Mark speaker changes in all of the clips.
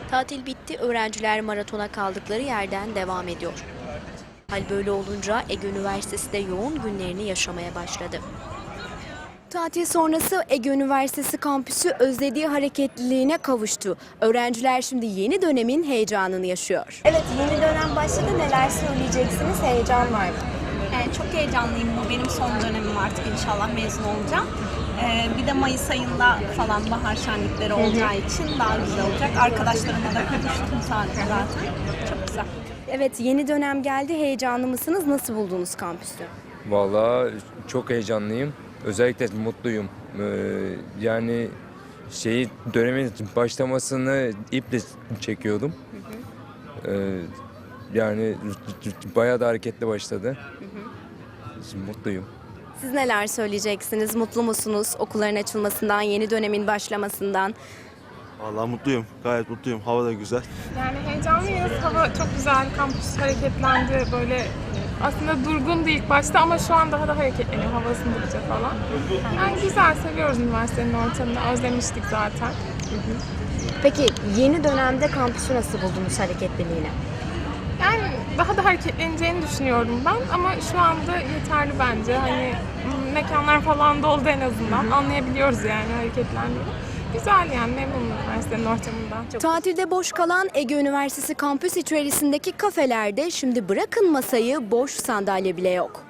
Speaker 1: Tatil bitti, öğrenciler maratona kaldıkları yerden devam ediyor. Hal böyle olunca Ege Üniversitesi de yoğun günlerini yaşamaya başladı. Tatil sonrası Ege Üniversitesi kampüsü özlediği hareketliliğine kavuştu. Öğrenciler şimdi yeni dönemin heyecanını yaşıyor. Evet, yeni dönem başladı. Neler söyleyeceksiniz? Heyecan var mı?
Speaker 2: Çok heyecanlıyım. Bu benim son dönemim, artık inşallah mezun olacağım. Bir de Mayıs ayında falan bahar şenlikleri olacağı için daha güzel olacak. Arkadaşlarımla da konuştum zaten. Çok güzel.
Speaker 1: Evet, yeni dönem geldi. Heyecanlı mısınız? Nasıl buldunuz kampüsü?
Speaker 3: Vallahi çok heyecanlıyım. Özellikle mutluyum. Yani dönemin başlamasını iple çekiyordum. Yani bayağı da hareketli başladı. Şimdi mutluyum.
Speaker 1: Siz neler söyleyeceksiniz? Mutlu musunuz okulların açılmasından, yeni dönemin başlamasından?
Speaker 4: Vallahi mutluyum. Gayet mutluyum. Hava da güzel.
Speaker 5: Yani heyecanlıyız. Hava çok güzel. Kampüs hareketlendi. Böyle aslında durgundu ilk başta ama şu an daha da hareketleniyor hava ısındıkça falan. Yani güzel, seviyoruz üniversitenin ortamını. Özlemiştik zaten.
Speaker 1: Peki yeni dönemde kampüsü nasıl buldunuz hareketliliğini?
Speaker 5: Yani daha da hareketleneceğini düşünüyorum ben ama şu anda yeterli bence. Hani mekanlar falan doldu en azından. Anlayabiliyoruz yani hareketlendiğini. Güzel yani, memnunum üniversitenin ortamından.
Speaker 1: Tatilde boş kalan Ege Üniversitesi kampüs içerisindeki kafelerde şimdi bırakın masayı, boş sandalye bile yok.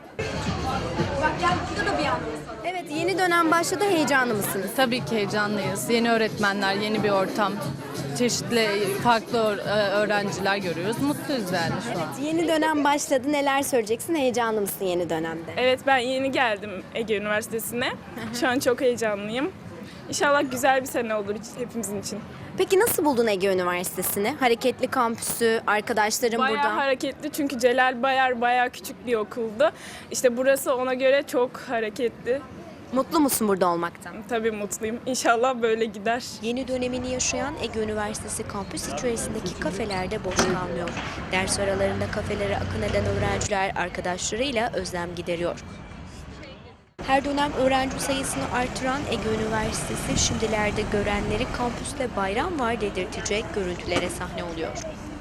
Speaker 1: Evet, yeni dönem başladı. Heyecanlı mısınız?
Speaker 6: Tabii ki heyecanlıyız. Yeni öğretmenler, yeni bir ortam, çeşitli farklı öğrenciler görüyoruz. Mutluyuz yani şu an.
Speaker 1: Yeni dönem başladı. Neler söyleyeceksin? Heyecanlı mısın yeni dönemde?
Speaker 7: Evet, ben yeni geldim Ege Üniversitesi'ne. Şu an çok heyecanlıyım. İnşallah güzel bir sene olur hepimizin için.
Speaker 1: Peki nasıl buldun Ege Üniversitesi'ni? Hareketli kampüsü, arkadaşlarım
Speaker 7: Bayağı
Speaker 1: burada.
Speaker 7: hareketli çünkü Celal Bayar bayağı küçük bir okuldu. İşte burası ona göre çok hareketli.
Speaker 1: Mutlu musun burada olmaktan?
Speaker 7: Tabii mutluyum. İnşallah böyle gider.
Speaker 1: Yeni dönemini yaşayan Ege Üniversitesi kampüs içerisindeki kafelerde boş kalmıyor. Ders aralarında kafelere akın eden öğrenciler arkadaşlarıyla özlem gideriyor. Her dönem öğrenci sayısını artıran Ege Üniversitesi şimdilerde görenleri kampüste bayram var dedirtecek görüntülere sahne oluyor.